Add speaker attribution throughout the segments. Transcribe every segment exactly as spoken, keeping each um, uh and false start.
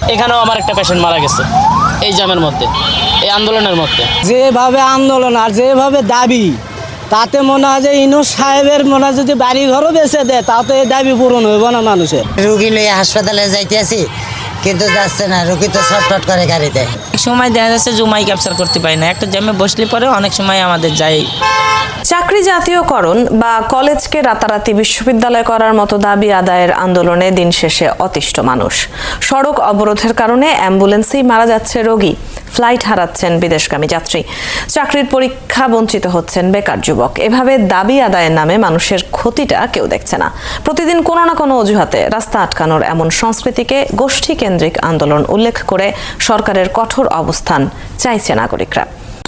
Speaker 1: এখানেও আমার একটা পেশেন্ট মারা গেছে এই জ্যামের মধ্যে, এই আন্দোলনের মধ্যে।
Speaker 2: যেভাবে আন্দোলন আর যেভাবে দাবি, তাতে মনে হয় যে ইনু সাহেবের মনে হয় যদি বাড়ি ঘরও বেঁচে দেয় তাতে এই দাবি পূরণ হইব না মানুষের।
Speaker 3: রুগী লইয়া হাসপাতালে যাইতে আছি কিন্তু যাচ্ছে না, রুগী তো ছটফট করে গাড়িতে।
Speaker 4: সময় দেখা যাচ্ছে জুমাই ক্যাপচার করতে পারি না, একটা জ্যামে বসলে পরে অনেক সময় আমাদের যাই।
Speaker 5: চাকরি জাতীয়করণ বা কলেজকে রাতারাতি বিশ্ববিদ্যালয় করার মতো দাবি আদায়ের আন্দোলনে দিন শেষে অতিষ্ঠ মানুষ। সড়ক অবরোধের কারণে অ্যাম্বুলেন্সেই মারা যাচ্ছে রোগী, ফ্লাইট হারাচ্ছেন বিদেশগামী যাত্রী, চাকরির পরীক্ষা বঞ্চিত হচ্ছেন বেকার যুবক। এভাবে দাবি আদায়ের নামে মানুষের ক্ষতিটা কেউ দেখছে না। প্রতিদিন কোনো না কোনো অজুহাতে রাস্তা আটকানোর এমন সংস্কৃতিকে গোষ্ঠী কেন্দ্রিক আন্দোলন উল্লেখ করে সরকারের কঠোর অবস্থান চাইছে নাগরিকরা।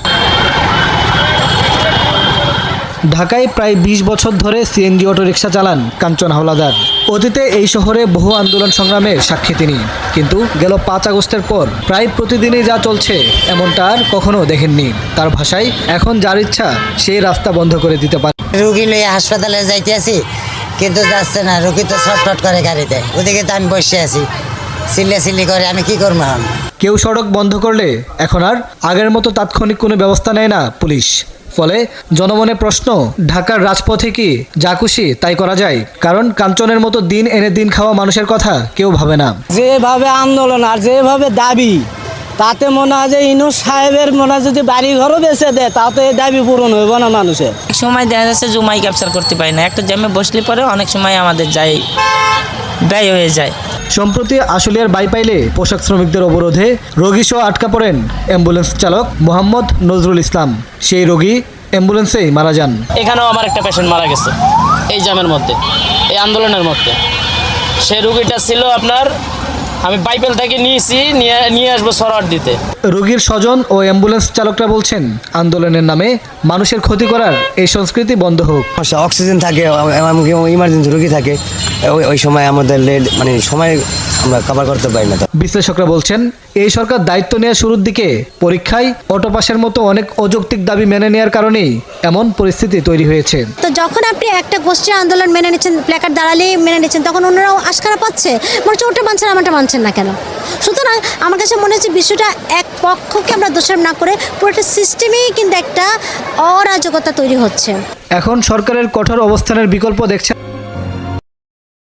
Speaker 6: ঢাকায় প্রায় বিশ বছর ধরে সিএনজি অটোরিকশা চালান কাঞ্চন হাওলাদার। অতীতে এই শহরে বহু আন্দোলন সংগ্রামের সাক্ষী তিনি, কিন্তু গেল পাঁচ আগস্টের পর প্রায় প্রতিদিনই যা চলছে এমনটা আর কখনো দেখেননি। তার ভাষায়, এখন যার ইচ্ছা সেই রাস্তা বন্ধ করে দিতে পারে।
Speaker 3: রুগী লইয়া হাসপাতালে যাইতে আছি কিন্তু যাচ্ছে না, রুগী তো ছটফট করে গাড়িতে। ওদিকে তো আমি বসে আছি, চিল্লা চিল্লি করে, আমি কি করবো এখন?
Speaker 6: কেউ সড়ক বন্ধ করলে এখন আর আগের মতো তাৎক্ষণিক কোনো ব্যবস্থা নেয় না পুলিশ। ফলে জনমনে প্রশ্ন, ঢাকার রাজপথে কি যা খুশি তাই করা যায়? কারণ কাঞ্চনের মতো দিন এনে দিন খাওয়া মানুষের কথা কেউ ভাবে না।
Speaker 2: যেভাবে আন্দোলন আর যেভাবে দাবি, তাতে মনে হয় যে ইনু সাহেবের মনে হয় যদি বাড়ি ঘরও বেঁচে দেয় তাতে এই দাবি পূরণ হইব না মানুষের।
Speaker 4: সময় দেখা যাচ্ছে জুমাই ক্যাপচার করতে পারি না, একটা জ্যামে বসলে পরে অনেক সময় আমাদের যাই ব্যয় হয়ে যায়।
Speaker 6: সম্প্রতি আশুলিয়ার বাইপাইলে পোশাক শ্রমিকদের অবরোধে রোগী সহ আটকা পড়েন অ্যাম্বুলেন্স চালক মোহাম্মদ নজরুল ইসলাম। সেই রোগী অ্যাম্বুলেন্সেই মারা যান।
Speaker 1: এখানেও আমার একটা পেশেন্ট মারা গেছে এই জ্যামের মধ্যে, এই আন্দোলনের মধ্যে। সেই রুগীটা ছিল আপনার, আমি বাইপেল থেকে নিয়েছি, নিয়ে নিয়ে আসবো সরোয়ার দিতে।
Speaker 6: রোগীর স্বজন ও অ্যাম্বুলেন্স চালকরা বলছেন, আন্দোলনের নামে মানুষের ক্ষতি করার এই সংস্কৃতি বন্ধ হোক।
Speaker 7: অক্সিজেন থাকে, ইমার্জেন্সি রোগী থাকে, ওই ওই সময় আমাদের লেট মানে সময় আমরা কভার করতে পারি না।
Speaker 6: বিশ্লেষকরা বলছেন, এই সরকার দায়িত্ব নেওয়ার শুরুর দিকে পরীক্ষায় অটো পাসের মতো অনেক অযৌক্তিক দাবি মেনে নেওয়ার কারণেই এমন পরিস্থিতি তৈরি হয়েছে।
Speaker 8: তো যখন আপনি একটা গোষ্ঠীর আন্দোলন মেনে নিচ্ছেন, প্ল্যাকার্ড দাঁড়ালেই মেনে নিচ্ছেন, তখন অন্যরাও আশকারা পাচ্ছে, মনে হচ্ছে ওটা মানছেন আমারটা মানছেন না কেন? সুতরাং আমার কাছে মনে হচ্ছে বিষয়টা এক পক্ষকে আমরা দোষারোপ না করে পুরোটা সিস্টেমেই কিন্তু একটা অরাজকতা তৈরি হচ্ছে।
Speaker 6: এখন সরকারের কঠোর অবস্থানের বিকল্প দেখছেন